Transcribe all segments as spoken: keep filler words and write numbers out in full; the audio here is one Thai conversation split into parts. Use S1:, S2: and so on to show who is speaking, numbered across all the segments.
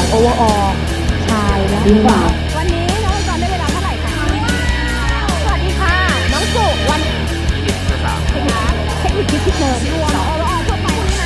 S1: โอเวอร์ออลชายและหญิงวันนี้น้องก่อนได้เวลาเท่าไหร่คะสวัสดีค่ะน้องสุวันเทคนิคเทคนิคที่คิดเนินรวมโอเวอร์ออลทั่วไปใช่ไหม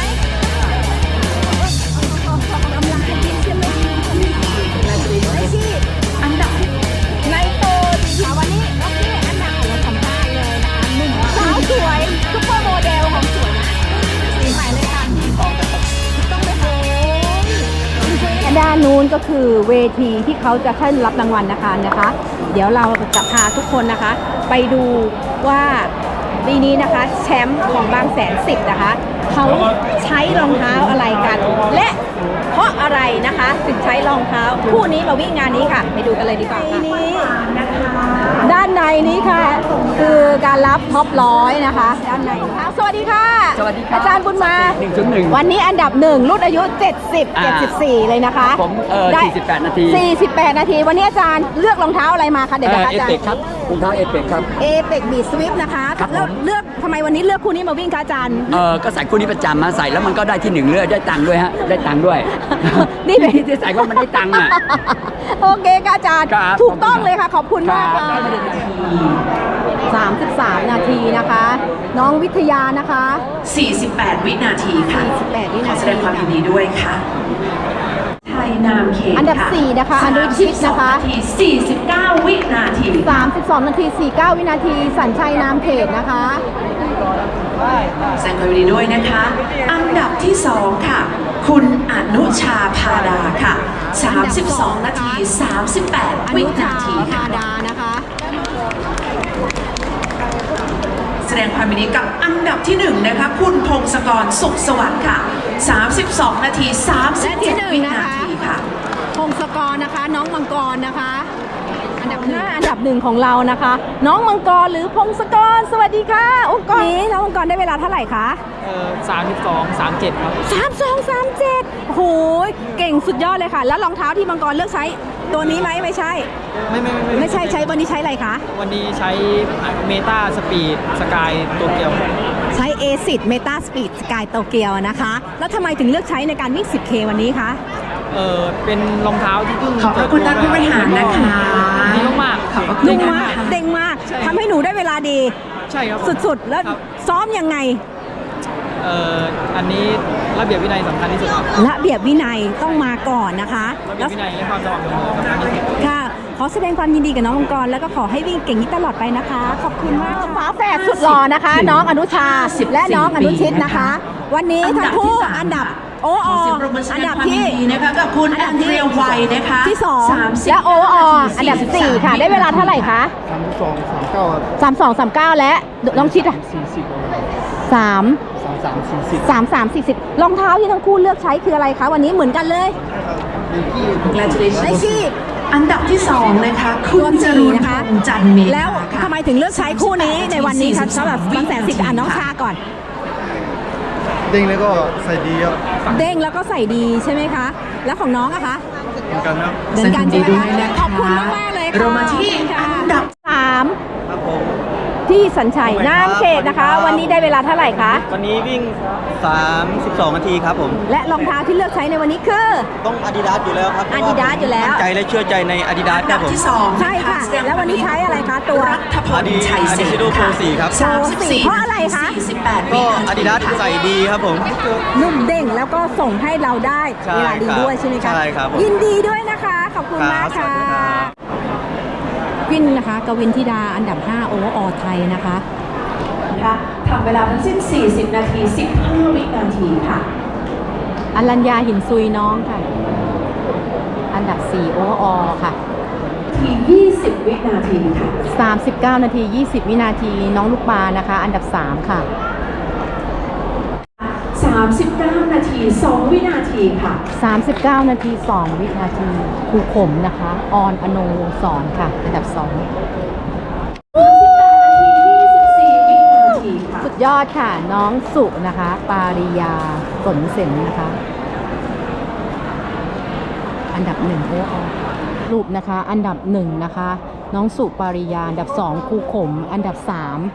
S1: กำลังจะกินใช่ไหมไม่ชีอันดับในโตดีวันนี้โอเคอันดับของเราสัมภาษณ์เลยนะคะหนุ่มสาวสวยซุปเปอร์โมเดลของสวยนะสีใหม่เลยค่ะต้องไปหาด้านนู้นก็คือเวทีที่เขาจะขึ้นรับรางวัลนะคะนะคะ เดี๋ยวเราจะพาทุกคนนะคะ ไปดูว่าปีนี้นะคะแชมป์ของบางแสนสิบนะคะเขาใช้รองเท้าอะไรกัน และเพราะอะไรนะคะถึงใช้รองเท้าคู่นี้มาวิ่งงานนี้ค่ะไปดูกันเลยดีกว่าค่ะด้านในนี้ค่ะคือการรับท็อปร้อยนะคะด้านในสวัสดีค่ะสวัสดีค่ะอาจารย์บุญมาหนึ่งจุดหนึ่งวันนี้อันดับหนึ่งรุ่นอายุเจ็ดสิบ เจ็ดสิบสี่เลยนะคะ
S2: ผมเออสี่สิบแปดนาที
S1: สี่สิบแปดนาทีวันนี้อาจารย์เลือกรองเท้าอะไรมาคะเดี๋ยวนะคะอาจารย์
S2: เอเปกครับรองเท้าเอเปกครับ
S1: เอเปกบีสวิฟนะคะแล้วเลือกทำไมวันนี้เลือกคู่นี้มาวิ่งคะอาจารย์
S2: เออก็ใส่คู่นี้ประจำมาใส่แล้วมันก็ได้ที่หนึ่งเลือกได้ตังค์ด้วยฮะได้ตังค์ด้วย
S1: นี่เป็น
S2: ที่ใส่ว่ามันได้ตังค์อ่ะ
S1: โอเคค่ะอาจารย์ถูกต้องเลยค่ะขอบคุณมากค่ะสามสิบสามนาทีนะคะน้องวิทยานะคะ
S3: สี่สิบแปดวินาทีค่ะ
S1: สี่สิบแปดวินาที
S3: ขอแสดงความยินดีด้วยค่ะไทยนามเค
S1: อันดับสี่นะคะอนุชิตนะคะ
S3: สี่สิบเก้าวินาที
S1: สามสิบสองนาทีสี่สิบเก้าวินาทีสัญชัยนามเขตนะคะ
S3: แสดงความยินดีด้วยนะคะอันดับที่สองค่ะคุณอนุชาพาดาค่ะสามสิบสองนาทีสามสิบแปดวินาทีค่ะแสดงความยินดีกับอันดับที่หนึ่งนะคะคุณพงศกรสุขสวัสดิ์ค่ะสามสิบสองนาทีสามสิบเจ็ดวินาทีค่ะ
S1: พงศกรนะคะน้องมังกรนะคะอันดับหน้าอันดับหนึ่งของเรานะคะน้องมังกรหรือพงศกรสวัสดีค่ะองค์กรนี้น้องมังกรได้เวลาเท่าไหร่คะ
S4: เออสามสิบสองสามเจ็ดครับ
S1: สามสองสามเจ็ดโหเก่งสุดยอดเลยค่ะแล้วรองเท้าที่มังกรเลือกใช้ตัวนี้ไหมไม่ใช่
S4: ไม่ไม่ไม่
S1: ไม่ใช่ใช้วันนี้ใช้อะไรคะ
S4: วันนี้ใช้เมตาสปีดสกายโตเกียว
S1: ใช้เอซิดเมตาสปีดสกายโตเกียวนะคะแล้วทำไมถึงเลือกใช้ในการวิ่ง สิบเค วันนี้คะ
S4: เออเป็นรองเท้าที่เพิ่ง
S3: ขอบคุณท่านผู้บริหารนะคะ
S4: ดีมาก
S1: ขอบคุณนุ่มมากเด้งมากทำให้หนูได้เวลาดี
S4: ใช่ครับ
S1: สุดๆแล้วซ้อมยังไง
S4: เอ่ออันนี้ระเบียบวินัยสำคัญที่สุด
S1: ระเบียบวินัยต้องมาก่อนนะคะ
S4: ระเบียบวินัยและความสม่ำเสมอสำคัญที่สุด
S1: ค่ะขอแสดงความยินดีกับน้องมังกรแล้วก็ขอให้วิ่งเก่งนี้ตลอดไปนะคะขอบคุณมากฟ้าแฝดสุดหล่อนะคะน้องอนุชาและน้องอนุชิตนะคะวันนี้ทั้งคู่อันดับโอออันดับที่
S3: นะคะกับคุณแอนเดรียไวนะคะ
S1: ที่สองและโอออันดับสี่ค่ะได้เวลาเท่าไหร่คะ
S4: สามสองสามเก้า
S1: สามสองสามเก้าและน้องชิดอ่ะ
S4: สี่สิบ
S1: สาม
S4: สามสามสี่สิบ
S1: สามสามสี่สิบรองเท้าที่ทั้งคู่เลือกใช้คืออะไรคะวันนี้เหมือนกันเลย
S3: ไนกี้อันดับที่สองนะคะคุณจรูนนะคะจันเมธ
S1: แล้วทำไมถึงเลือกใช้คู่นี้ในวันนี้คะสำหรับบางแสนสิบอ่านน้องชาก่อน
S4: เด้งแล้วก็ใส่ดีครับ
S1: เด้งแล้วก็ใส่ดีใช่ไหมคะแล้วของน้องอะคะ
S4: เหมือนกันครับ
S1: เหมือนกันใช่ไหมคะขอบคุณมากๆเลยค่ะ
S3: เรามาที่อันดับ
S1: สามที่สัญชัยนามเขตนะคะวันนี้ได้เวลาเท่าไหร่คะ
S4: วันนี้วิ่งสามสิบสองนาทีครับผม
S1: และรองเท้าที่เลือกใช้ในวันนี้คือ
S4: ต้อง Adidas อยู่แล้วครับ
S1: Adidas อยู่แล้ว
S4: ใจและเชื่อใจใน Adidas ครับผม
S1: ใช่ค่ะแล้ววันนี้ใช้อะไรคะตัว
S4: Adidas Adidas Pro สี่ครับ
S1: สามสิบสี่เพราะอะไรคะ
S4: ก็ Adidas ใส่ดีครับผม
S1: นุ่มเด้งแล้วก็ส่งให้เราได้เวลาดีด้วยใช่ไหมคะ
S4: ใช่ครับ
S1: ยินดีด้วยนะคะขอบคุณมากค่ะวินนะคะกวินธิดาอันดับห้าโอเวอร์ออลไทยนะคะ
S3: ทำเวลาทั้งสิ้นสี่สิบนาทีสิบห้าวินาทีค่ะ
S1: อรัญญาหินซุยน้องค่ะอันดับสี่โอเวอร์ออลค่ะ
S3: ทียี่สิบวินาทีค่ะ
S1: สามสิบเก้านาทียี่สิบวินาทีน้องลูกปลานะคะอันดับสามค่ะ
S3: สามสิบเก้านาทีสองวินาทีค่ะ
S1: สามสิบเก้านาทีสองวินาทีครูขมนะคะออนอโนวงศ์สอนค่ะอันดับสองสุดยอดค่ะน้องสุนะคะปาริยาสนเสนนะคะอันดับหนึ่งโอ้อรูปนะคะอันดับหนึ่งนะคะน้องสุปาริยาอันดับสองครูขมอันดับสาม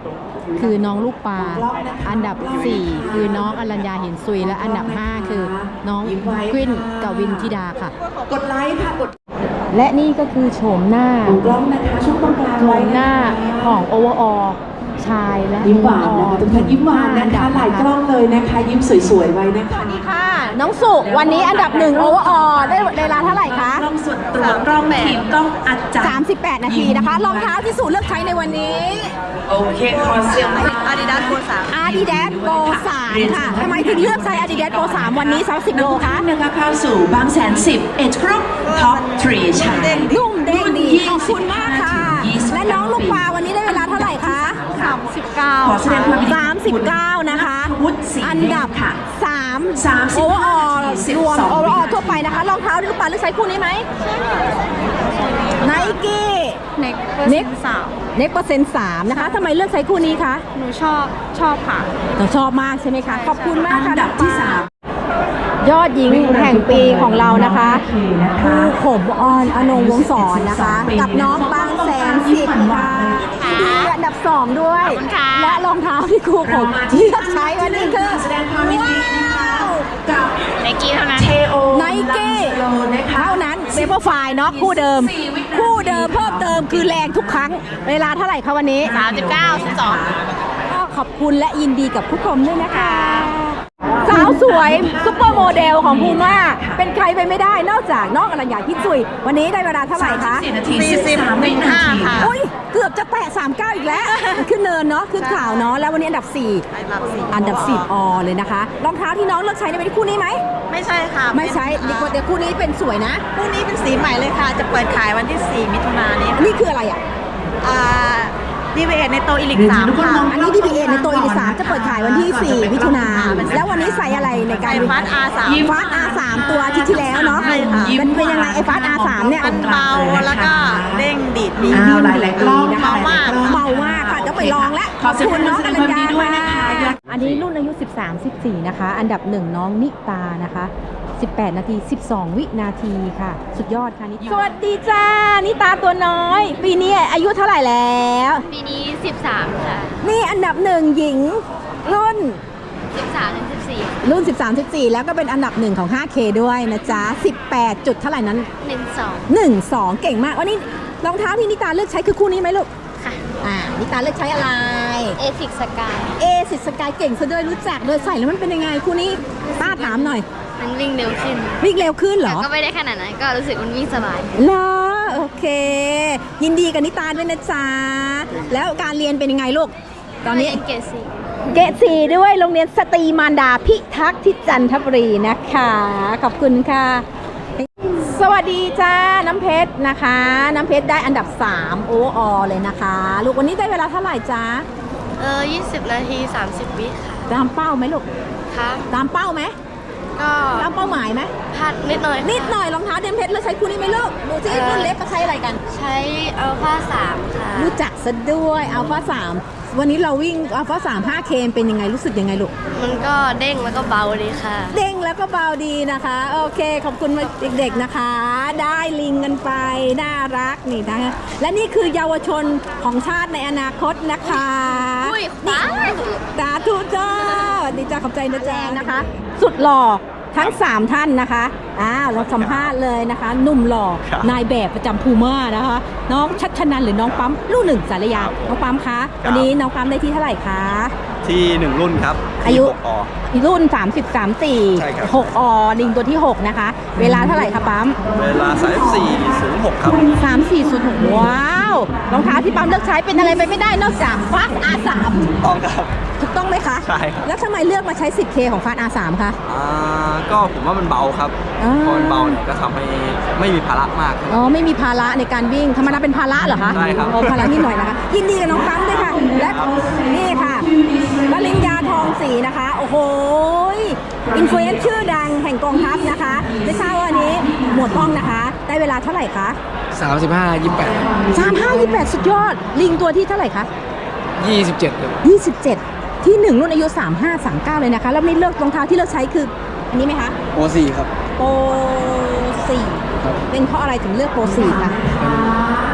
S1: คือน้องลูกปลาอันดับสี่คือน้องอรัญญาเห็นซุยและอันดับห้าคือน้องกวินกวินธิดาค่ะ
S3: กดไลค์ค่ะกด
S1: และนี่ก็คือโฉมหน้า
S3: ของกล้องนะคะช่วงตรงกลาง
S1: โฉ
S3: ไว้
S1: มหน้าของโอเวอร์ออชายและ
S3: ยิ้มหวานนะคะทุกท่านยิ้มหวานนะคะหลายกล้องเลยนะคะยิ้มสวยๆไว้นะ
S1: ส
S3: คะ
S1: วัสดีค่ะ น้องสุวันนี้อันดับหนึ่งโอเวอร์ออได้เวลาเท่าไหร่คะ
S3: กล้องส่วนตัวกล้องทีมกล้องอาจารย์
S1: สามสิบแปด นาทีนะคะรองเท้าที่สุเลือกใช้ในวันนี้
S3: โอเคขอเสียง
S1: อาดิดาสโปรสามอาดิดาสโปรสามค่ะทำไมถึงเลือกใช้อาดิดาสโปรสามวันนี้สามสิบโลคะ
S3: นะคะเข้าสู่บางแสนสิบเอ็ดกรุ๊ปท็อปทรีชาย
S1: นุ่มเด้งดีขอบคุณมากค่ะ และน้องลูกปลาวันนี้ได้เวลาเท่าไหร่คะสามสิบเก้า
S3: ขอแสดงความยินดี
S1: สามสิบเก้านะคะ
S3: วุฒิศรี
S1: อันดับ
S3: ค่ะ
S1: สาม
S3: สามสิ
S1: โอบ เวอร์อ
S3: ห้า
S1: อ
S3: สิบ
S1: รวม
S3: สอง
S1: โอเวอร์ออทั่วไปนะคะรองเท้าลูกปลาเลือกใช้คู่นี้ไหมไนกี้เน็กเน็กสามเน็กเปอร์เซ็นต์สามนะคะทำไมเลือกใช้คู่นี้คะ
S5: หนูชอบชอบค่ะ
S1: เราชอบมากใช่ไหมคะ ขอบคุณมาก
S3: อั
S1: ค่ะ
S3: นดับที่สาม
S1: ยอดหญิงแห่งปีของเรานะคะคือขมออนอนงวงศรนะคะ กับน้องบางแสนสิบค่ะดีอันดับสองด้วย และรองเท้าที่ครูผมเลือกใช้วันนี้คือ
S3: แสดงความยินดีนะคะกับ
S5: ไนกี้เท่านั้น
S3: เทโอ
S1: ไนกี้
S3: โลนะคะ
S1: เท่านั้นเซเปอร์ไฟล์เนาะคู่เดิม คู่เดิมเพิ่มเติมคือแรงทุกครั้ง เวลาเท่าไหร่คะวันนี้
S5: สามสิบเก้า สิบสอง
S1: ก็ขอบคุณและยินดีกับผู้ชมด้วยนะคะ สาวสวยซุปเปอร์โมเดลของภูม่าเป็นใครไปไม่ได้นอกจากน้องอรัญญาพิจุยวันนี้ได้เวลาเท่าไหร่คะ
S3: สี่นาทีสิบสามวินาที
S5: ค่ะ
S1: อุ้ยเกือบจะแตะสามสิบเก้าอีกแล้ว ขึ้นเนินเนาะขึ้นข่าวเนาะแล้ววันนี้อันดับสี่อันดับสี่อเลยนะคะรองเท้าที่น้องเลือกใช้ในวันนี้คู่นี้ไหม
S5: ไม่ใช่ค่ะ
S1: ไม่ใช้ดีกว่าแต่คู่นี้เป็นสวยนะ
S5: คู่นี้เป็นสีใหม่เลยค่ะ จะเปิดขายวันที่สี่มิถุนายนนี้
S1: นี่คืออะไรอ่ะ
S5: อ่าดีเวในโตอีลิกสามค่ะ
S1: อันนี้ ดี พี เอ ในตัวอีลิสามจะเปิดขายวันที่สี่มิถุนาแล้ววันนี้ใส่อะไรในการ
S5: ไอฟัสอาร์สาม
S1: ฟาสอาร์สามตัวอาทิตย์ที่แล้วเนาะ
S5: ใช่ค่ะ
S1: มันเป็นยังไงไอ้ฟาสอาร์สามเนี่ย
S5: มันเบาแล้วก็เด้งดีดดี
S3: อ้าวหลายๆกล้อง
S1: นะคะ
S5: เบามาก
S1: เบามากค่ะจะไปลองแล้ว
S3: ขอแสดงความยินดีด้วยนะคะ
S1: อันนี้รุ่นอายุ สิบสาม สิบสี่ นะคะ อันดับหนึ่งน้องนิตานะคะ สิบแปด นาที สิบสอง วินาทีค่ะ สุดยอดค่ะนิสวัสดีจ้า นิตาตัวน้อย ปีนี้อายุเท่าไหร่แล้ว
S6: ปีนี้ สิบสาม ค่ะ
S1: นี่อันดับหนึ่งหญิงรุ่น
S6: สิบสามถึงสิบสี่
S1: รุ่น สิบสาม สิบสี่ แล้วก็เป็นอันดับหนึ่งของ ห้าเค ด้วยนะจ๊ะ สิบแปด จุดเท่าไหร่นั้น
S6: หนึ่งสอง
S1: หนึ่งสอง เก่งมาก วันนี้รองเท้าที่นิตาเลือกใช้คือคู่นี้ไหมลูก
S6: ค่ะ
S1: อ่า นิตาเลือกใช้อะไร
S6: เอซิกสกาย
S1: เอสิสกายเก่งซะด้วยรู้จักเลยใส่แล้วมันเป็นยังไงคู่นี้ป้าถามหน่อย
S6: มันวิ่งเร็วขึ้น
S1: วิ่งเร็วขึ้นเหร
S6: แต่
S1: อ
S6: ก็ไม่ได้ขนาดนั้น ก็รู้สึกมันวิ่งสบาย
S1: เหรอโอเค ยินดีกับนิตาด้วยนะจ๊ะ แล้วการเรียนเป็นยังไงลูก ตอนนี้
S6: เกรดสี่
S1: เกรดสี่ด้วยโรงเรียนสตรีมารดาพิทักษ์ที่จันทบุรีนะคะ ขอบคุณค่ะ สวัสดีจ้า น้ำเพชรนะคะ น้ำเพชรได้อันดับสามโอเวอร์ออเลยนะคะ ลูกวันนี้ได้เวลาเท่าไหร่จ้า
S6: เออยี่สิบนาทีสามสิบวิค่ะ
S1: ตามเป้าไหมลูก
S6: ค่ะ
S1: ตามเป้าไหม
S6: ก็
S1: ตามเป้าหมายไหม
S6: พลาดนิดหน่อย
S1: นิดหน่อยรองเท้าเดมเพชรแล้วใช้คู่นี้ไหมลูกดูสิรุ่นเล็กก็ใช้อะไรกัน
S6: ใช้อัลฟาสามค่ะ
S1: รู้จักซะด้วยอัลฟาสามวันนี้เราวิ่งอัลฟาสาม ห้าเค เป็นยังไงรู้สึกยังไงลูก
S6: มันก็เด้งแล้วก็เบาดีค่ะ
S1: เด้งแล้วก็เบาดีนะคะ โอเค ขอบคุณเด็กๆนะคะ ได้ลิงกันไป น่ารักนี่นะคะและนี่คือเยาวชนของชาติในอนาคตนะคะ
S6: อุ้ย
S1: นี่
S6: ว้าว
S1: สาธุจ้าดีจ้าขอบใจนะแจงนะคะ สุดหล่อทั้ง สาม ท่านนะคะอ้าวเราสัมภาษณ์เลยนะคะหนุ่มหล่อนายแบบประจำภูม่านะคะ น้องชัชนันหรือน้องปั๊มลูกหนึ่งสารยาน้องปั๊มคะวันนี้น้องปั๊มได้ที่เท่าไหร่คะ
S7: ที่หนึ่งรุ่นครับ
S1: อายุ
S7: ที่หกอ
S1: รุ่น สามสิบสาม สี่
S7: ใช่ครับ
S1: หกอลิงตัวที่ หก นะคะ เวลาเท่าไหร่คะปั๊ม
S7: เวลาสามสี่ศูนย์หกครับ
S1: สามสี่ศูนย์หกว้าวรองเท้าที่ปั๊มเลือกใช้เป็นอะไรไปไม่ได้นอกจากฟาสอาร์สาม
S7: ต้องครับ
S1: ถูกต้องไหมคะ
S7: ใช่ครับ
S1: แล้วทำไมเลือกมาใช้ สิบเค ของฟาสอาร์สามคะ
S7: อ่าก็ผมว่ามันเบาครับ
S1: อ่า
S7: พอมันเบาเนี่ยก็ทำให้ไม่มีภาระมากครับ
S1: อ๋อไม่มีภาระในการวิ่งธรรมดาเป็นภาระเหรอคะ
S7: ใช่ครับ
S1: โอ้ภาระนิดหน่อยนะคะยินดีกับน้องปั๊มด้วยค่ะและนี่ค่ะวลินยาทองศรีนะคะโอ้โหอินฟลูเอนซ์ชื่อดังแห่งกองทัพนะคะไม่ทราบว่าวันนี้หมวดป้องนะคะ ได้เวลาเท่าไหร่คะ
S8: สามสิบห้ายี่แปด
S1: สามห้ายี่แปดสุดยอดลิงตัวที่เท่าไหร่คะ
S8: ยี่สิบเจ็ดครับ
S1: ยี่สิบเจ็ดที่หนึ่งรุ่นอายุสามห้าสามเก้าเลยนะคะแล้วนี่เลือกรองเท้าที่เลือกใช้คืออันนี้ไหมคะ
S8: โอสี่ครับ
S1: โปรสี่
S8: ครับ
S1: เป็นเพราะอะไรถึงเลือกโปรสี่คะ
S8: เป็น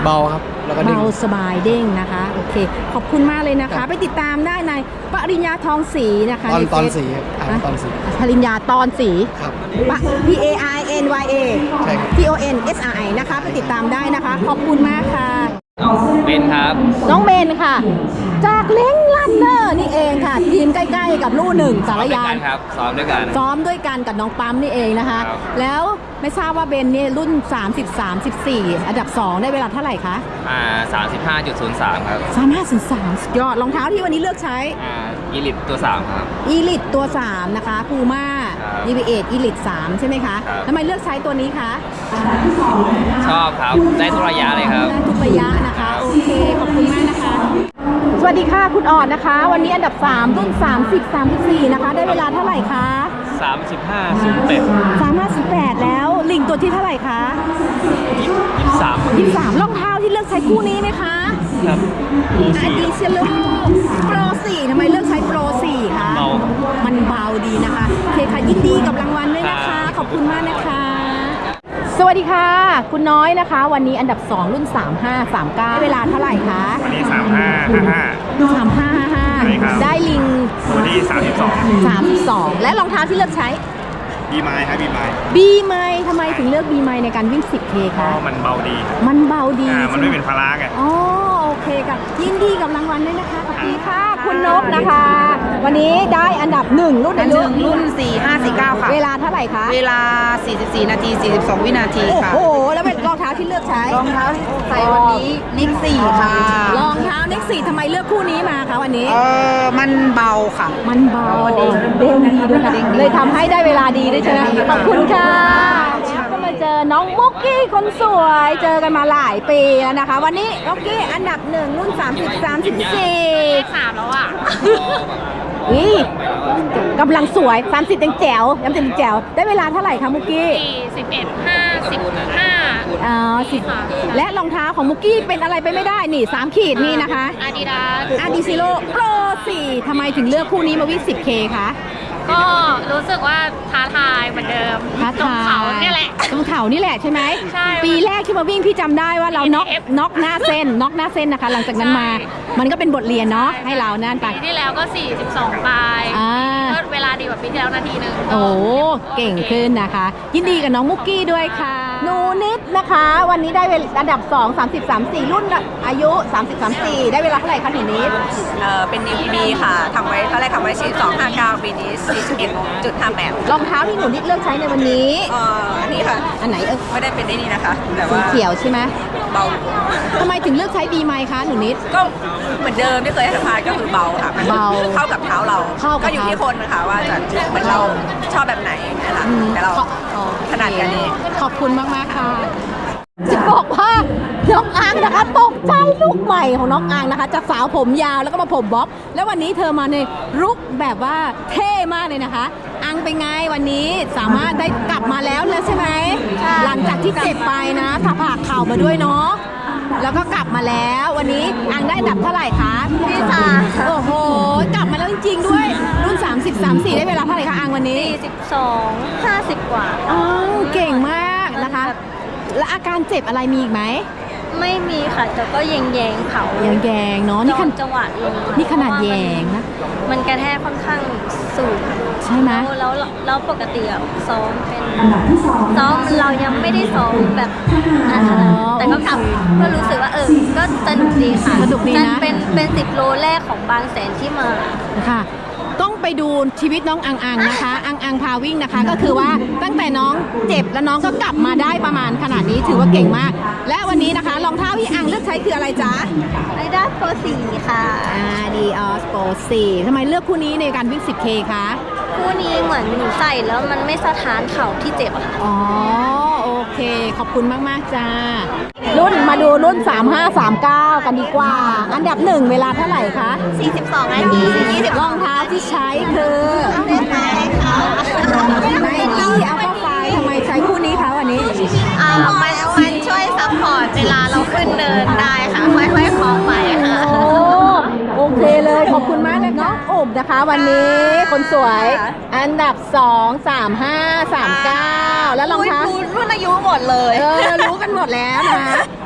S8: เบาครับ แล้วก็เด้ง
S1: เบาสบายเด้งนะคะ โอเค ขอบคุณมากเลยนะคะ ไปติดตามได้ในปริญญาทองศรีนะคะ
S8: ตอน
S1: ใน
S8: ตอน
S1: เฟซ
S8: สีครับอ่านตอนสี
S1: ปริญญาตอนสี
S8: ครับ
S1: P A R N Y A
S8: ใช่ครับ
S1: T O N S R I นะคะ ไปติดตามได้นะคะ ขอบคุณมากค่ะ
S4: เบนครับ
S1: น้องเบนค่ะ จากเล้งลันเนอร์นี่เองค่ะ ทีมใกล้ๆกับลู่หนึ่งสารยาน
S4: ครับซ้อมด้วยกัน
S1: ซ้อมด้วยกันกับน้องปั๊มนี่เองนะคะ
S4: ครับ
S1: แล้วไม่ทราบว่าเบนเนี่ยรุ่น สามสิบสาม สิบสี่ อันดับ สอง ได้เวลาเท่าไหร่คะ
S4: อ่าสามสิบห้าจุดศูนย์สามครับ
S1: สามห้า สาม สุดยอดรองเท้าที่วันนี้เลือกใช้
S4: อ่าอีลิตตัวสามครับ
S1: อีลิตตัว สาม นะคะพูม่า
S4: ครับ
S1: ดี วี เอท อีลิตสาม ใช่ไหมคะ
S4: ครับ
S1: ทำไมเลือกใช้ตัวนี้คะ
S4: ชอบครับ ได้ทุกระยะเลยครับ
S1: ได้ทุกระยะนะคะ โอเค ขอบคุณมากนะคะ สวัสดีค่ะคุณออดนะคะ วันนี้อันดับ สาม รุ่น สามสิบ สามสิบสี่ นะคะ ได้เวลาเท่าไหร่คะ
S4: สามสิบห้าศูนย์แปด
S1: สามห้าสิบแปด แล้วลิงตัวที่เท่าไหร่คะ
S4: ยี่สิบสาม
S1: ยี่สิบสามรองเท้าที่เลือกใช้คู่นี้ไหมคะ
S4: ครับ
S1: อาดิเชโลโปรสี่ทำไมเลือกใช้โปรสี่คะ
S4: เบา
S1: มันเบาดีนะคะโอเคค่ะยินดีกับรางวัลด้วยนะคะ ขอบคุณมากนะคะ สวัสดีค่ะ คุณน้อยนะคะ วันนี้อันดับ สอง รุ่น สามห้า สามเก้า เวลาเท่าไหร่คะ
S9: วันนี้สามห้าห้าห้า
S1: สามห้า ห้าห้า
S9: ใช่ครับ
S1: ได้ลิง
S9: วันที่สามสิบสอง
S1: สามสิบสอง และรองเท้าที่เลือกใช้
S9: บีไม้ครับบีไม้
S1: บีไมทำไมถึงเลือกบีไมในการวิ่ง สิบเค
S9: เพ
S1: คะ
S9: ราะมันเบาดีครับ
S1: มันเบาดี
S9: อ่ามันไม่เป็น
S1: ใช่ห
S9: ภาระไง
S1: อ๋อโอเคค่ะยินดีกับรางวัลด้วยนะคะขอบคุณค่ะ คุณนกนะคะ วันนี้ได้อันดับหนึ่งรุ่น
S5: อั
S1: อาน
S5: ห
S1: ยุ
S5: นึ่งรุ่น สี่ห้าสี่เก้า ค่ะ
S1: เวลาเท่าไหร่คะ
S5: เวลา สี่สิบสี่ นาที สี่สิบสอง วินาที
S1: โอ้
S5: ค่ะ
S1: โห แล้วเป็นรองเท้าที่เลือกใช้
S5: รองเท้าที่ใส่วันนี้นิกสี่ค่ะ
S1: รองเท้าเน็กซี่ทำไมเลือกคู่นี้มาคะวันนี้
S5: เออมันเบาค่ะ
S1: มันเบาเด้งเด้งดีด้วยค่ะเลยทำให้ได้เวลาดีด้วยใช่ไหมขอบคุณค่ะก็มาเจอน้องมุกกี้คนสวยเจอกันมาหลายปีแล้วนะคะ วันนี้มุกกี้อันดับหนึ่งรุ่น สามสิบ สามสิบสี่
S6: สามแล้วอ่ะ
S1: อีกำลังสวย สามสิบยังแจ๋วยังเป็นแจ๋วได้เวลาเท่าไหร่คะมุกกี้
S6: สี่สิบเอ็ดห้าสิบห้า
S1: อ๋อสิบและรองเท้าของมุกกี้เป็นอะไรไปไม่ได้นี่สามขีดนี่นะคะ
S6: อาดิดาส
S1: อาดิซิโลโปรสี่ทำไมถึงเลือกคู่นี้มาวิ่ง สิบเค คะ
S6: ก็รู้สึกว่าท้าทายเหมือนเดิม
S1: ท้า
S6: ตรง
S1: ทาย
S6: เขาเนี่ยแหละ
S1: ตรงเขานี่แหละใช่ไหม
S6: ใช่
S1: ปีแรกที่มาวิ่งพี่จำได้ว่าเราน็อก
S6: เอฟ
S1: น็อกหน้าเส้นน็อกหน้าเส้นนะคะ หลังจากนั้นมา
S6: ใช่
S1: มันก็เป็นบทเรียนเนาะให้เรานั่นไป
S6: ปีที่แล้วก็ สี่สิบสองปลาย
S1: อ่า
S6: ก็เวลาดีกว่าปีที่แล้วนาทีหนึ่ง
S1: โอ้เก่งขึ้นนะคะ ยินดีกับน้องมุกกี้ด้วยค่ะหนูนิดนะคะ วันนี้ได้เวลาอันดับ สอง สามสิบ สามสิบสี่ รุ่นอายุ สามสิบ สามสิบสี่ ได้เวลาเท่าไหร่คะหนูนิด
S5: เออเป็น นิว พี บี ค่ะทำไว้ตอนแรกทำไว้ สี่สิบสอง ห้าสิบเก้า ปีนี้ สี่สิบเอ็ดจุดห้าแปด
S1: รองเท้าที่หนูนิดเลือกใช้ในวันนี้
S5: เอ่ออันนี้ค่ะ
S1: อันไหนเออ
S5: ไม่ได้เป็นได้นี่นะคะ แต่
S1: สี
S5: ว่า
S1: เขียวใช่ไหม
S5: เบา
S1: ทำไมถึงเลือกใช้บีไมคะหนูนิด
S5: ก็เหมือนเดิมที่เคยให้สัมภาษณ์ก็คือเบาค่ะมัน
S1: เบา
S5: เข้ากับเท้าเรา
S1: เข้ากับ
S5: ก็อยู่ที่คนนะคะว่าจะเหมือนเราชอบแบบไหนนะคะ
S1: อืม
S5: แต่เรา
S1: ขออ๋อ
S5: ถนัดกันเอง
S1: ขอบคุณมากมากๆค่ะ จะบอกว่าน้องอังนะคะตกใจลูกใหม่ของน้องอังนะคะจากสาวผมยาวแล้วก็มาผมบ๊อบแล้ววันนี้เธอมาในลุคแบบว่าเท่มากเลยนะคะ อังเป็นไงวันนี้สามารถได้กลับมาแล้วแล้วใช่ไหมหลังจากที่เจ็บไปนะผ่าผ่าเข่ามาด้วยเนาะแล้วก็กลับมาแล้ววันนี้อังได้อันดับเท่าไหร่คะที่สามโอ้โหกลับมาแล้วจริงๆด้วยรุ่น สามสิบ สามสิบสี่ ได้เวลาเท่าไหร่คะอังวันนี้
S6: สี่สิบสอง ห้าสิบกว่า
S1: อ๋อเก่งมากนะคะ แล้วอาการเจ็บอะไรมีอีกไหม
S6: ไม่มีค่ะแต่ก็แยงแยงๆเขา
S1: ยังแยงเนาะนี่ขน
S6: จังหวะลง
S1: นี่ขนาดแยงนะ
S6: มันกระแทกค่อนข้างสูง
S1: ใช่ไหม
S6: แล้วแล้วแล้วปกติอะซ้อมเป็นซ้อมเรายังไม่ได้ซ้อมแบบนั้นนะแต่ก็กลับก็รู้สึกว่าเออก็สนุกดีค่ะ
S1: สนุกดีนะ
S6: มัเป็นเป็นสิบโลแรกของบางแสนที่มา
S1: ค่ะต้องไปดูชีวิตน้องอังอังนะคะ อังอังพาวิ่งนะคะ ก็คือว่าตั้งแต่น้องเจ็บแล้วน้องก็กลับมาได้ประมาณขนาดนี้ถือว่าเก่งมาก และวันนี้นะคะรองเท้าที่อังเลือกใช้คืออะไรจ๊ะ
S6: ไอด้าโปรสี่ค่ะ
S1: อ่าดีออสโปสี่ทำไมเลือกคู่นี้ในการวิ่ง สิบเค คะ
S6: คู่นี้เหมือนหนูใส่แล้วมันไม่สะท้านเข่าที่เจ็บอะค่ะ
S1: อ๋อโอเค ขอบคุณมาก ๆ จ้า รุ่นมาดูรุ่น สามห้า สามเก้า กันดีกว่า อันดับหนึ่งเวลาเท่าไหร่คะ
S6: สี่สิบสองนาทียี่สิบ
S1: รองเท้าที่ใช้คือ
S6: เล่นไหมค่ะ
S1: ไนกี้อัลฟาไฟทำไมใช้คู่นี้คะวันนี้
S6: อ่ามันมันช่วยซัพพอร์ตเวลาเราขึ้นเดินได้ค่ะค่อยๆคล้องไปค่ะ
S1: โอ้โอเคเลยขอบคุณมากเลยน้องอุบนะคะ วันนี้คนสวย อันดับ สอง สามห้า สามเก้า แล้วรองเท้า
S5: รุ่นอายุหมดเลย
S1: เออรู้กันหมดแล้วนะ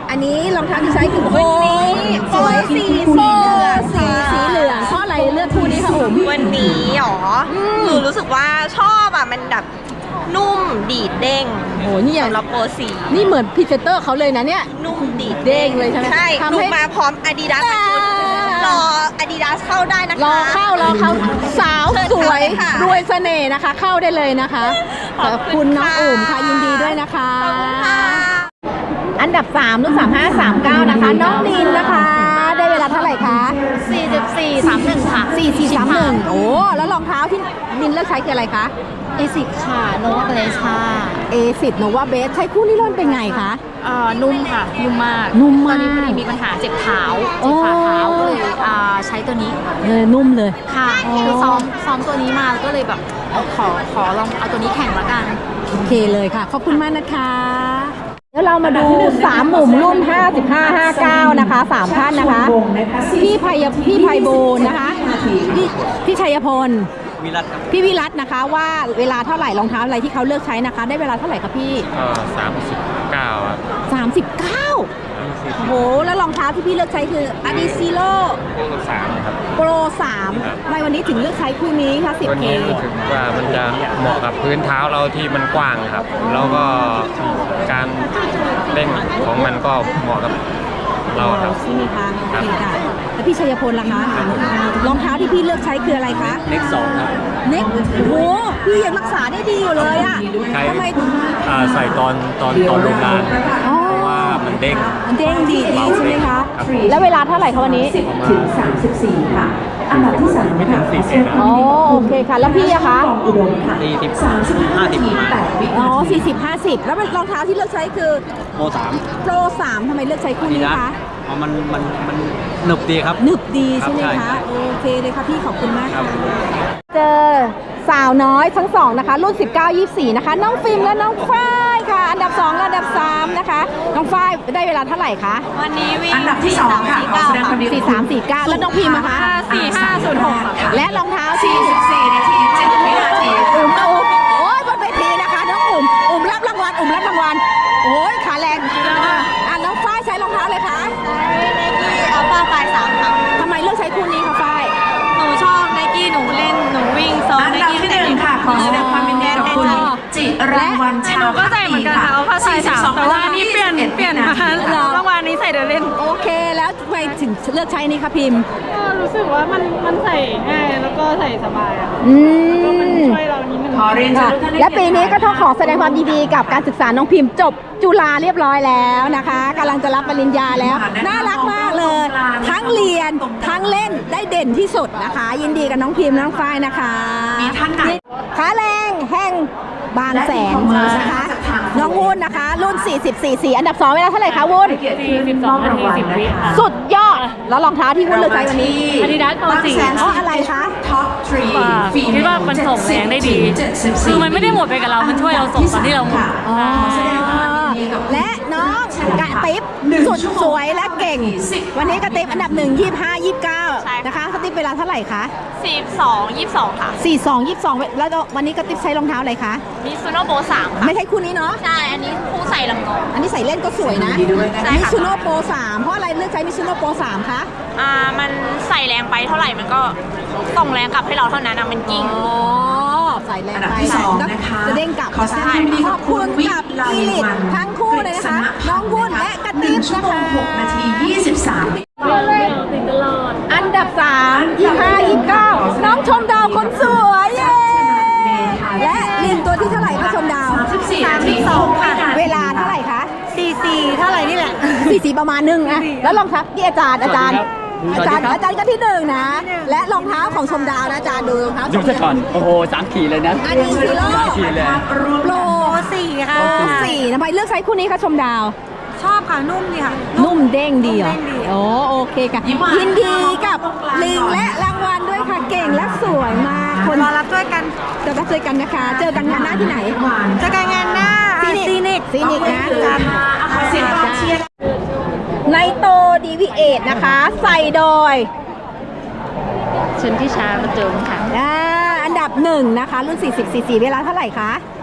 S1: อันนี้รองเท้าที่ใช้คือโอ้สวยสีโฟสีสีเหลืองเพราะอะไรเลือกคู่นี้คะผม
S5: วันนี้หรอหนูรู้สึกว่าชอบอ่ะมันแบบนุ่มดีดเด้ง
S1: โอ้นี่อย่าง
S5: สำหรับโปรสี
S1: นี่เหมือนพรีเซนเตอร์เขาเลยนะเนี่ย
S5: นุ่มดีด
S1: เด้งเลยใช่ไหม
S5: ใช่
S1: ทำ
S5: หนู
S1: ให้
S5: มาพร้อม Adidas
S1: อ่า
S5: ชุดรอ Adidas เข้าได้นะคะ
S1: รอเข้ารอเข้าสาว
S5: เชิญ
S1: สวย
S5: เข้าเลยค่ะ
S1: รวยเสน่ห์นะคะ เข้าได้เลยนะคะขอบคุณน้องอุ่มค่ะยินดีด้วยนะคะ
S5: ขอบคุณค่ะ
S1: อันดับสามรุ่นสามห้าสามเก้านะคะน้องนินนะคะ ได้เวลาเท่าไหร่คะ
S6: สี่สิบสี่ สามสิบเอ็ด ค่ะ
S1: สี่สี่สามหนึ่งโอ้แล้วรองเท้าที่นินเลือกใช้คืออะไรคะ
S6: เอซิกค่ะ โนวาเบสค่ะ
S1: เอสิบโนวาเบสใช้คู่นี้ร่อนเป็นไงคะ
S6: เอ่อนุ่มค่ะ นุ่มมาก
S1: นุ่ม
S6: ตอ
S1: มาน ก
S6: นี้พอดีมีปัญหาเจ็บเท้า
S1: โอ้
S6: เจ็บฝ่าเท้าก็เลยอ่าใช้ตัวนี้
S1: เออนุ่มเลย
S6: ค่ะ
S1: อ๋อ
S6: คือซ้อมซ้อมตัวนี้มาก็เลยแบบเอาขอขอลองเอาตัวนี้แข่งละกัน
S1: โอเคเลยค่ะ ขอบคุณมากนะคะเดี๋ยวเรามาดูสามหมุมรุ่นห้าสิบห้า ห้าเก้านะคะสามท่านนะคะ พี่ไพยพี่ไพบูลย์นะคะพี่พี่ชัยพล
S7: วิรัตครับ
S1: พี่วิรัตนะคะว่าเวลาเท่าไหร่รองเท้าอะไรที่เขาเลือกใช้นะคะ ได้เวลาเท่าไหร่คะพี่
S9: ก็สามสิบเก้าครับ
S1: สามสิบเก้าโอ้โหแล้วรองเท้าที่พี่เลือกใช้คือ Adizero
S9: สามครับ
S1: Pro สามทำไมวันนี้ถึงเลือกใช้คู่นี้คะ สิบ
S9: วัน
S1: เค
S9: นี้รู้สึกว่ามันจะเหมาะกับพื้นเท้าเราที่มันกว้างครับ แล้วก็การเด้งของมันก็เหมาะกับเราครับ
S1: ใช่ไหมคะโอเคค่ะแล้วพี่ชัยพลล่ะคะรองเท้าที่พี่เลือกใช้คืออะไรคะ
S2: เน็กสองครับ
S1: เน็กโอ้โหพี่ยังรักษาได้ดีอยู่เลยอ่ะ
S10: ใช้
S1: ทำไม
S10: อ่าใส่ตอนตอนตอนโรงงาน
S1: อ๋อ
S10: เพราะว่ามันเด้ง
S1: มันเด้งดีดีใช่ไหมคะ แล้วเวลาเท่าไหร่คะวันนี้
S3: ถึงสามสิบสี่ค่ะ อันดับที่สาม
S10: ไม่ถึงสี่สิบนะ
S1: อ๋อโอเคค่ะ แล้วพี่อะคะ
S3: อุดมค่ะ
S2: สี่สิบ
S3: สามสิบห้า
S2: ห้าสิบ
S3: นาทีแปดวิ
S1: อ๋อ
S3: นาที
S1: สี่สิบ ห้าสิบ แล้วรองเท้าที่เลือกใช้คือ
S2: โมสาม
S1: โปรสามทำไมเลือกใช้คู่นี้คะ
S2: อ๋อมันมันมันหนึบดีครับ
S1: หนึบดีใช่ไหม
S2: ครับใช่
S1: คะ
S2: ครับ
S1: โอเคเลยค่ะพี่ขอบคุณมาก
S2: ครั
S1: ค่ะ
S2: บ
S1: เจอสาวน้อยทั้งสองนะคะ รุ่น สิบเก้า ยี่สิบสี่ นะคะ น้องฟิล์มและน้องฝ้ายค่ะ อันดับสองและอันดับสามนะคะ น้องฝ้ายได้เวลาเท่าไหร่คะ
S5: วันนี้วิ่ง
S3: อันดับที่สองค่ะขอแสดงความยินดี
S1: สี่สามสี่เก้าแล้วน้องพิมพ์นะคะ
S5: สี่ห้าศูนย์หก
S1: และรองเท้า
S3: สี่สิบสี่นาทีเจ็ดวินาที
S1: อุ่มอุ่มโอ้ยบนเวทีนะคะน้องอุ่มอุ่มรับรางวัลอุ่มรับรางวัลโอ้ยขาแรงอ่ะน้องฝ้ายใช้รองเท้าเลยคะ
S5: อัลฟาไฟสามค่ะ
S1: ทำไมเลือกใช้คู่นี้คะฝ้าย
S5: หนูชอบไนกี้หนูเล่นหนูวิ่งซ้อม
S3: อัน
S5: ไน
S3: ดับ
S5: กี้
S3: ที่หนึ่งค่ะ ขอแสดงความยินดีกับคุณจิราวัลชา
S5: หนูก็ใส่เหมือนกันค่ะอัลฟาไฟสามแต่ว่าอันนี้เปลี่ยนเปลี่ยนมาเมื่อวานนี้ใส่เดินเล่น
S1: โอเคแล้วทำไมถึงเลือกใช้นี่คะพิมพ์
S5: ก็รู้สึกว่ามันมันใส่ง่ายแล้วก็ใส่สบายอะ
S1: อื
S5: ก็มัน
S1: ม
S5: ช่วยเรานิดนึง
S3: ขอเรียนเชิ
S1: ค่ะ
S3: ญทุกท่านได้
S1: และปีนี้ก็ต้องขอแสดงความยินดีกับการศึกษาน้องพิมพ์จบจุฬาเรียบร้อยแล้วนะคะกำลังจะรับปริญญาแล้ว น่ารักมากเลย ทั้งเรียนทั้งเล่นได้เด่นที่สุดนะคะ ยินดีกับน้องพิมพ์น้องฝ้ายนะคะ
S3: มีท่านไหน
S1: ขาแรงแห่งบางแสนนะคะ น้องวุ้นนะคะ รุ่น สี่สิบสี่ สี่อันดับสองเวลาเท่าไหร่คะวุ้น
S3: สี่สิบสองนาทีสิบวิค่ะ
S1: สุดยอด แล้วรองเท้าที่วุ้นเลือกใช้วันนี้
S5: Adidas Pro สี่
S1: เพราะอะไรคะ
S3: ท็อปทรี
S5: คิดว่ามันส่งแรงได้ดี คือมันไม่ได้หมดไปกับเรา มันช่วยเราส่งตอนที่เราหมด
S1: อ๋อและน้องกระติบสุดสวยและเก่ง วันนี้กระติบอันดับหนึ่งยี่ห้ายี่เก้า
S5: ใช่ค่ะ
S1: นะคะกระติบเวลาเท่าไหร่คะ
S5: สี่สองยี่สองค่ะ
S1: สี่สองยี่สองแล้ววันนี้กระติบใช้รองเท้าอะไรคะ
S5: มิซูโน่โบสามค่ะ
S1: ไม่ใช่คู่นี้เนาะ
S5: ใช่ อันนี้คู่ใส่ลำกอง
S1: อันนี้ใส่เล่นก็สวยนะ
S5: ใช่
S1: มิ
S5: ค่ะ
S1: ซูโน่โปรสามเพราะอะไรเลือกใช้มิซูโน่โปรสามคะ
S5: อ่า มันใส่แรงไปเท่าไหร่ มันก็ส่งแรงกลับให้เราเท่านั้นนะมันกิ้ง
S1: อ๋อใส่แรง
S3: อันดับ
S1: ไป
S3: ที่สองนะคะ
S1: จะเด้งกลับ
S3: ขอแสดงความยินดี
S1: ข
S3: กั
S1: อ
S3: บบ คุ
S1: คุณ ณ
S3: วิ
S1: กับ
S3: ไล
S1: อีลิท
S3: วัน
S1: ทั้งคู่เลยนะคะ น้องวุ้นและกระ
S3: ห
S1: ติ
S3: นึ่ง
S1: บ
S3: ชั่ว
S1: นะ
S3: โมง
S1: คะ
S3: หกนาทียี่สิบสามวิ
S1: อันดับสามยี่ห้ายี่เก้าน้องชมดาวคนสวยเย้และลินตัวที่เท่าไหร่คะชมดาว
S3: สามสิบสี่นาทีหกวินาที
S1: เวลาเท่าไหร่คะ
S5: สี่สี่เท่าไหร่นี่แหละ
S1: สี่สี่ประมาณหนึ่งอะแล้วรองเท้าที่อาจารย์อาจารย์ อาจารย์อาจารย์ก็ที่หนึ่งนะ และรองเท้าของชมดาวนะอาจารย์ดูรองเท้า
S2: ดูซะก่อน โอ้โหสามขีดเลยนะ
S1: อันนี้ซีโร่
S2: สามขีดเลย
S1: โปรสี่ค่ะโปรสี่ทำไมเลือกใช้คู่นี้คะชมดาว
S5: ชอบค่ะ นุ่มดีค่ะ
S1: นุ่มเด้งดีเหรอโอ้โอเคค่ะ
S3: ยิ้มหวาน
S1: ยินดีกับลิงและรางวัลด้วยค่ะเก่งและสวยมากคน
S5: รอรับด้วยกัน
S1: จะรับเจอกันนะคะ เจอกันงานหน้าที่ไหน
S5: เจอกันงานหน้า
S1: ซีนิกซีนิกนะกัน
S3: ขอเสียงกองเชียร์
S1: ไนโตดีวีเอทนะคะ ใส่โดย
S6: ชนที่ช้าประจมค่ะ
S1: อ่าอันดับหนึ่งนะคะ รุ่น สี่สิบ สี่สิบ เวลาเท่าไหร่คะ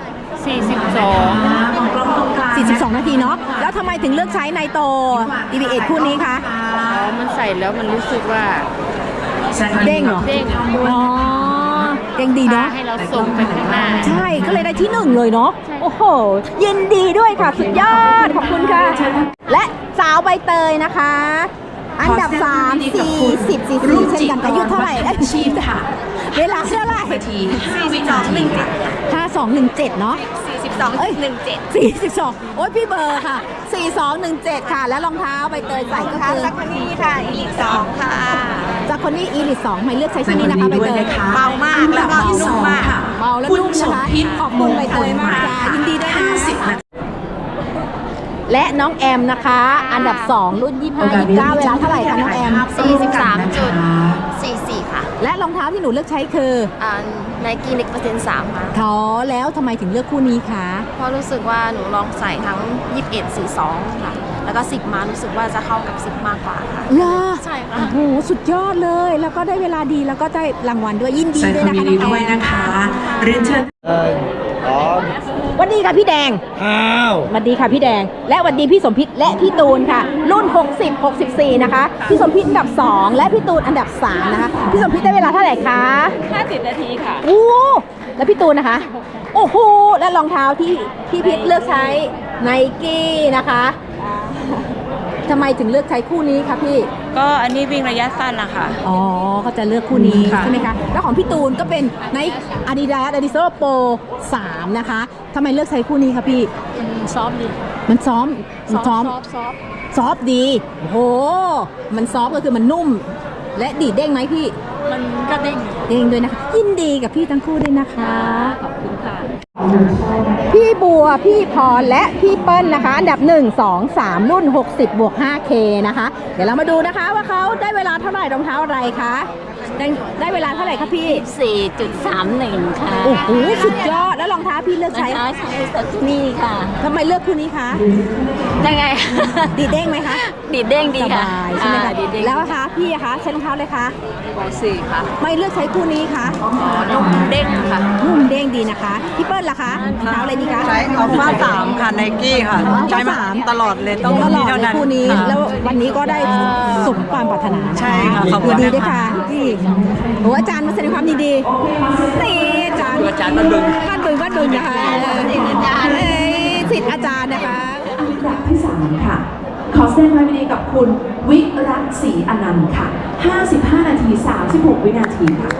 S5: สี่สิบสอง
S1: สี่สิบสอง นาทีเนาะแล้วทำไมถึงเลือกใช้ไนโต อี บี เอท คู่นี้คะ
S5: มันใส่แล้วมันรู้สึกว่า
S1: เด้งเหรอ
S5: เด้ง
S1: อ๋อเด้งดีเนาะ
S5: ให้เราส่งไปข้างหน้า
S1: ใช่ก็เลยได้ที่หนึ่งเลยเนาะโอ้โหยินดีด้วยค่ะสุดยอดขอบคุณค่ะ และสาวใบเตยนะคะ อันดับสาม สี่สิบ ซีซีเช่นกันอายุเท่าไหร่เอ้ย
S3: ชีพค่ะ
S1: เวลาเท่าไหร่
S3: นาทีห้าวินาทีค่ะ
S1: ห้าสองหนึ่งเจ็ดเนาะ
S5: สี่สิบสอง
S1: เอ้ย
S5: หนึ่งเจ็ด
S1: สี่สิบสองโอ้ยพี่เบอร์ค่ะสี่สองหนึ่งเจ็ดค่ะ แล้วรองเท้าใบเตยใส่ก็คือ
S5: สักนี่ค่ะ อีกสองค่ะ
S1: จากคนนี้อีลิทสองไม่เลือกใช้ชิ้นนี้นะคะใบเตย
S5: เบามากแล้วก็นุ่มมาก
S1: เบาและนุ่มนะคะขอบคุณใบเตยมากค่ะยินดีด้วยนะคะ
S3: สิบนาที
S1: และน้องแอมนะคะ อันดับสองรุ่นยี่สิบห้า ยี่สิบเก้าเวลาเท่าไหร่คะน้องแอม
S6: สี่สิบสามจุดสี่สี่ค่ะ
S1: และรองเท้าที่หนูเลือกใช้คือ
S6: อ่าไนกี้เน็กเปอร์เซ็นต์สามค่ะ
S1: ท้อแล้วทำไมถึงเลือกคู่นี้คะ
S6: เพราะรู้สึกว่าหนูลองใส่ทั้งยี่สิบเอ็ด สี่สิบสองค่ะ แล้วก็สิบมารู้สึกว่าจะเข้ากับสิบมากกว่าค่ะ
S1: เหรอ
S6: ใช่ค่ะ
S1: โอ้โหสุดยอดเลย แล้วก็ได้เวลาดีแล้วก็ได้รางวัลด้วยยินดี
S3: แสดง
S1: ด้
S3: ค
S1: ว
S3: วาย ม
S1: นะคะ
S3: ยินดีด้วยนะคะเรียนเชิญ
S1: วันดีค่ะพี่แดง
S8: อ้าว
S1: สวัสดีค่ะพี่แดง และสวัสดีพี่สมพิษและพี่ตูนค่ะ รุ่น หกสิบ หกสิบสี่ นะคะ พี่สมพิษอันดับ สอง และพี่ตูนอันดับ สาม นะคะ พี่สมพิษได้เวลาเท่าไหร่คะ
S5: ห้าสิบนาทีค่ะ
S1: โอ้แล้วพี่ตูนนะคะ โอ้โห และรองเท้าที่พี่พิษเลือกใช้ไนกี้นะคะทำไมถึงเลือกใช้คู่นี้คะพี่
S5: ก็อันนี้วิ่งระยะสั้นนะคะ
S1: อ๋อเขาจะเลือกคู่นี้
S5: ค่ะ
S1: ใช่ไหมคะ แล้วของพี่ตูนก็เป็นใน Adidas Adidas Pro สาม นะคะทำไมเลือกใช้คู่นี้คะพี่
S5: ซ้อมดี
S1: มันซ้อมมันซ้อม
S5: ซอฟ
S1: ซอฟต์ดี โอ้โห มันซอฟต์ก็คือมันนุ่ม และดีดเด้งไหมพี่
S5: มันก็เด้ง
S1: เด้งด้วยนะคะ ยินดีกับพี่ทั้งคู่ด้วยนะคะ
S5: ขอบคุณค่ะ
S1: พี่บัว พี่พร และพี่เปิ้ลนะคะ อันดับ หนึ่ง สอง สาม รุ่น หกสิบ บวก ห้าเค นะคะ เดี๋ยวเรามาดูนะคะว่าเขาได้เวลาเท่าไหร่รองเท้าอะไรคะ ได้ได้เวลาเท่าไหร่คะพี่
S6: สี่จุดสามหนึ่งค่ะ
S1: โอ้โห สุดยอด แล้วรองเท้าพี่เลือกใช้
S6: ใช้ใช้สักนี่ค่ะ
S1: ทำไมเลือกคู่นี้คะ
S6: ยังไง
S1: ดีดเด้งไหมคะ
S6: ดีดเด้งดี
S1: ส
S6: ค่ะ
S1: บายใช่ไหม
S6: อ่า
S1: คะ
S6: ดีดเด้ง
S1: แล้วคะพี่อะคะใช้รองเท้าเลยคะ
S5: วายสี่ค่ะ
S1: ไม่เลือกใช้คู่นี้คะ
S5: นุ่มเด้งค่ะ
S1: นุ่มเด้งดีนะคะ พี่เปิ้ลล่ะคะรองเท้าอะไรดีคะ
S11: ใช้อัลฟาสามค่ะไนกี้ค่ะ
S1: อ๋อ
S11: ใช้มา
S1: สาม
S11: ตลอดเลยต้อง
S1: ตลอด
S11: เท่า
S1: เลย
S11: นั้น
S1: คู่นี้
S11: ค่ะ
S1: แล้ววันนี้ก็ได้สมความปรารถนา
S11: ใช่ค่ะขอบคุณ
S1: ยินดี
S11: นะคะ
S1: ด้วยค่ะพี่โอ้อาจารย์มาแสดงความยินดีนี่อาจารย์
S2: อาจารย์บ้านบึง
S1: บ้านบึงบ้านบึงนะคะสิทธิ์อาจารย์เอ้ยสิทธิ์อาจารย์นะคะ
S3: อันดับที่สามค่ะ ขอแสดงความยินดีกับคุณวิรัตศรีอนันต์ค่ะ ห้าสิบห้า นาที สามสิบหก วินาทีค่ะ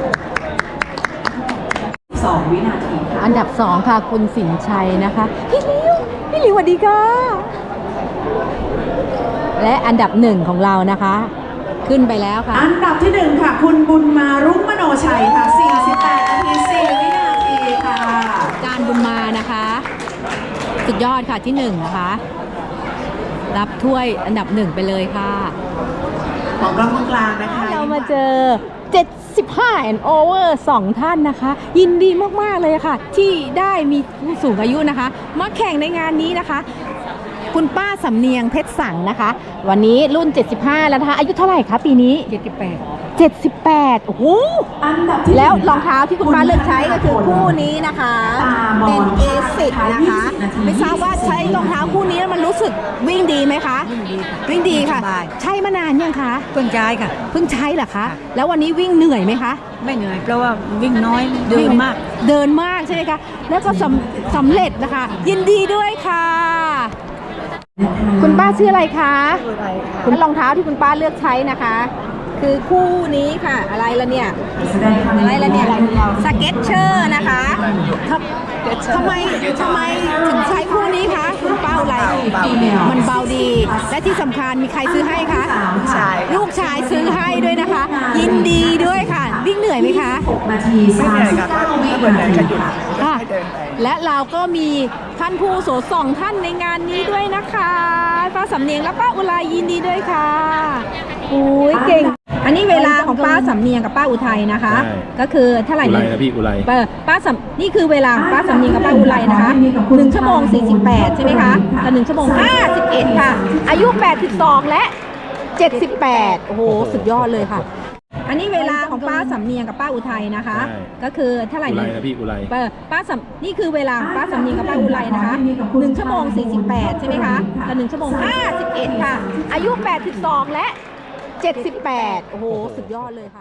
S3: สอง วินาทีค่ะ
S1: อันดับสองค่ะคุณสินชัยนะคะ พี่ลิวพี่ลิวสวัสดีค่ะ และอันดับหนึ่งของเรานะคะ ขึ้นไปแล้วค่ะ
S3: อันดับที่หนึ่งค่ะ คุณบุญมารุ่งมโนชัยค่ะ สี่สิบแปด นาที สี่ วินาทีค่ะ
S1: การบุญมานะคะสุดยอดค่ะที่หนึ่งนะคะ รับถ้วยอันดับหนึ่งไปเลยค่ะ
S3: ของกล้องตรงกลางนะคะ
S1: เรามาเจอ เจ็ดสิบห้า and over สองท่านนะคะ ยินดีมากๆเลยค่ะ ที่ได้มีผู้สูงอายุนะคะ มาแข่งในงานนี้นะคะ คุณป้าสำเนียงเพชรสังนะคะ วันนี้รุ่น เจ็ดสิบห้า แล้วนะคะอายุเท่าไหร่คะปีนี้ เจ็ดสิบแปด เจ็ดสิบแปด โอ้โห
S3: อันดับที่
S1: แล้วรองเท้าที่คุณป้าเลือกใช้ก็คือคู่นี้นะคะ เป็นเอซิกนะคะ ไม่ทราบว่าใช้รองเท้าคู่นี้แล้วมันรู้สึกวิ่งดีไหมคะ วิ่งดีค่ะ ใช้มานานยังคะ
S11: เพิ่งใช้ค่ะ
S1: เพิ่งใช้เหรอคะ แล้ววันนี้วิ่งเหนื่อยไหมคะ
S11: ไม่เหนื่อยเพราะว่าวิ่งน้อยเดินมาก
S1: เดินมากใช่ไหมคะ แล้วก็สำสำเร็จนะคะ ยินดีด้วยค่ะ คุณป้าชื่ออะไรคะคุณรองเท้าที่คุณป้าเลือกใช้นะคะ คือคู่นี้ค่ะ อะไรละเนี่ย อะไรละเนี่ยสเก็ตเชอร์นะคะทำทำไมทำไมถึงใช้คู่นี้คะคุณป้าอะไรมันเบาดี และที่สำคัญมีใครซื้อให้คะลูกชายซื้อให้ด้วยนะคะ ยินดีด้วยค่ะ วิ่งเหนื่อยไหมคะ
S3: หก นาที สามสิบเก้า วินาทีค่ะ
S1: ค่ะและเราก็มีท่านผู้โสดสองท่านในงานนี้ด้วยนะคะป้าสำเนียงและป้าอุไรยินดีด้วยค่ะโอ้ยเก่ง อันนี้เวลาของป้าสำเนียงกับป้าอุทัยนะคะ
S10: ใช่
S1: ก็คือเท่าไหร่
S10: อุไร
S1: เนี่ย
S10: นะพี่อุไร
S1: เปิดป้าสำนี่คือเวลาของป้าสำเนียงกับป้าอุไรนะคะหนึ่งชั่วโมงสี่สิบแปดใช่ไหมคะกับหนึ่งชั่วโมงห้าสิบเอ็ดค่ะ อายุแปดสิบสองและเจ็ดสิบแปดโอ้โหสุดยอดเลยค่ะ อันอันนี้เวลาของป้าสำเนียงกับป้าอุทัยนะคะ
S10: ใช่
S1: ก็คือเท่าไหร่
S10: อุไร
S1: นะ
S10: นะพี่อุไร
S1: เปิดป้าสำนี่คือเวลาของป้าสำเนียงกับป้าอุไรนะคะหนึ่งชั่วโมงสี่สิบแปดใช่ไหมคะกับหนึ่งชั่วโมงห้าสิบเอ็ดค่ะ อายุแปดสิบสองและเจ็ดสิบแปดโอ้โหสุดยอดเลยค่ะ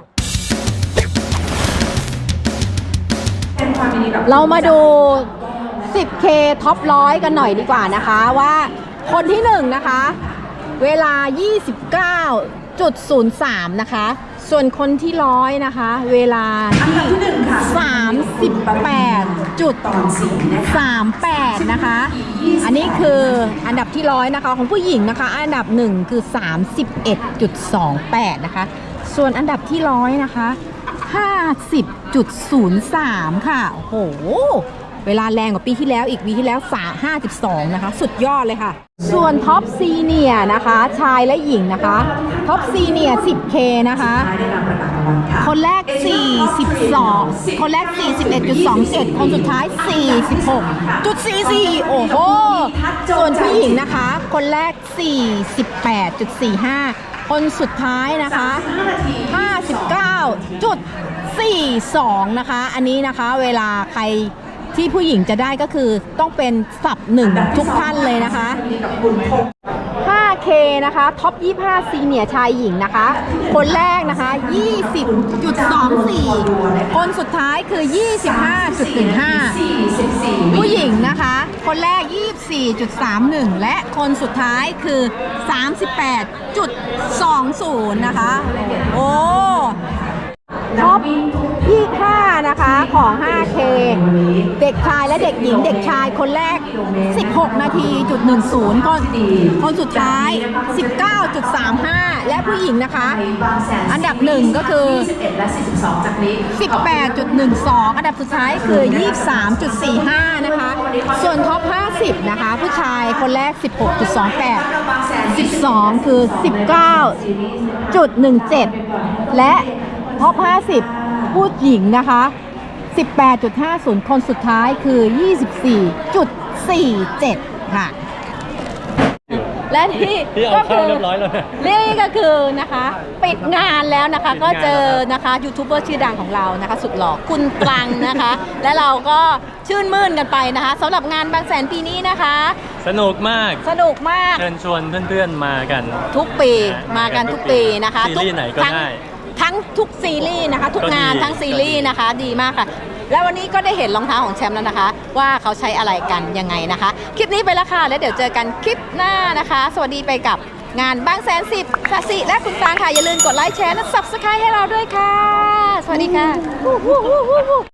S1: เรามาดู สิบเค ท็อปร้อยกันหน่อยดีกว่านะคะว่าคนที่หนึ่งนะคะ เวลา ยี่สิบเก้าจุดศูนย์สาม นะคะ ส่วนคนที่ร้อยนะคะ เวลาที่ สามสิบแปดจุดสามแปด นะคะ อันนี้คืออันดับที่ร้อยนะคะของผู้หญิงนะคะ อันดับหนึ่งคือ สามสิบเอ็ดจุดสองแปด นะคะ ส่วนอันดับที่ร้อยนะคะ ห้าสิบจุดศูนย์สาม ค่ะโอ้โหเวลาแรงกว่าปีที่แล้วอีกปีที่แล้วห้าสิบสองนะคะสุดยอดเลยค่ะส่วนท็อปซีเนียนะคะชายและหญิงนะคะท็อปซีเนีย สิบเค นะคะคนแรก สี่สิบสอง คนแรก สี่สิบเอ็ดจุดสองเจ็ด คนสุดท้าย สี่สิบหกจุดสี่สี่ โอ้โหส่วนผู้หญิงนะคะคนแรก สี่สิบแปดจุดสี่ห้า คนสุดท้ายนะคะ ห้าสิบเก้าจุดสี่สอง นะคะอันนี้นะคะเวลาใครที่ผู้หญิงจะได้ก็คือต้องเป็นสับหนึ่งทุกท่านเลยนะคะ ห้าเค นะคะท็อปยี่สิบห้าซีเนียร์ชายหญิงนะคะคนแรกนะคะ ยี่สิบจุดสองสี่ คนสุดท้ายคือ ยี่สิบห้าจุดหนึ่งห้า ผู้หญิงนะคะคนแรก ยี่สิบสี่จุดสามหนึ่ง และคนสุดท้ายคือ สามสิบแปดจุดสองศูนย์ นะคะโอ้ท็อปยี่สิบห้านะคะของ ห้าเค เด็กชายและเด็กหญิงเด็กชายคนแรก สิบหกนาทีจุดหนึ่งศูนย์ คนคนสุดท้าย สิบเก้าจุดสามห้า และผู้หญิงนะคะอันดับหนึ่งก็คือ สิบแปดจุดหนึ่งสอง อันดับสุดท้ายคือ ยี่สิบสามจุดสี่ห้า นะคะส่วนท็อปห้าสิบนะคะผู้ชายคนแรก สิบหกจุดสองแปด สิบสองคือ สิบเก้าจุดหนึ่งเจ็ด และท็อปห้าสิบผู้หญิงนะคะ สิบแปดจุดห้าศูนย์ คนสุดท้ายคือ ยี่สิบสี่จุดสี่เจ็ด ค่ะและนี่ก็คือนี่ก็คือนะคะปิดงานแล้วนะคะก็เจอนะคะยูทูบเบอร์ชื่อดังของเรานะคะสุดหล่อคุณตรังนะคะและเราก็ชื่นมื่นกันไปนะคะสำหรับงานบางแสนปีนี้นะคะ
S10: สนุกมาก
S1: สนุกมาก
S10: เชิญชวนเพื่อนๆมากัน
S1: ทุกปีมากันทุกปีนะคะ
S10: ซีรีส์ไหนก็
S1: ทั้ง
S10: ได้
S1: ทั้งทุกซีรีส์นะคะทุกงานทั้งซีรีส์นะคะดีมากค่ะแล้ววันนี้ก็ได้เห็นรองเท้าของแชมป์แล้วนะคะว่าเขาใช้อะไรกันยังไงนะคะคลิปนี้ไปแล้วค่ะแล้วเดี๋ยวเจอกันคลิปหน้านะคะสวัสดีไปกับงานบางแสนสิบสสิและคุณฟางค่ะอย่าลืมกดไลค์แชร์และ ซับสไครบ์ ให้เราด้วยค่ะสวัสดีค่ะ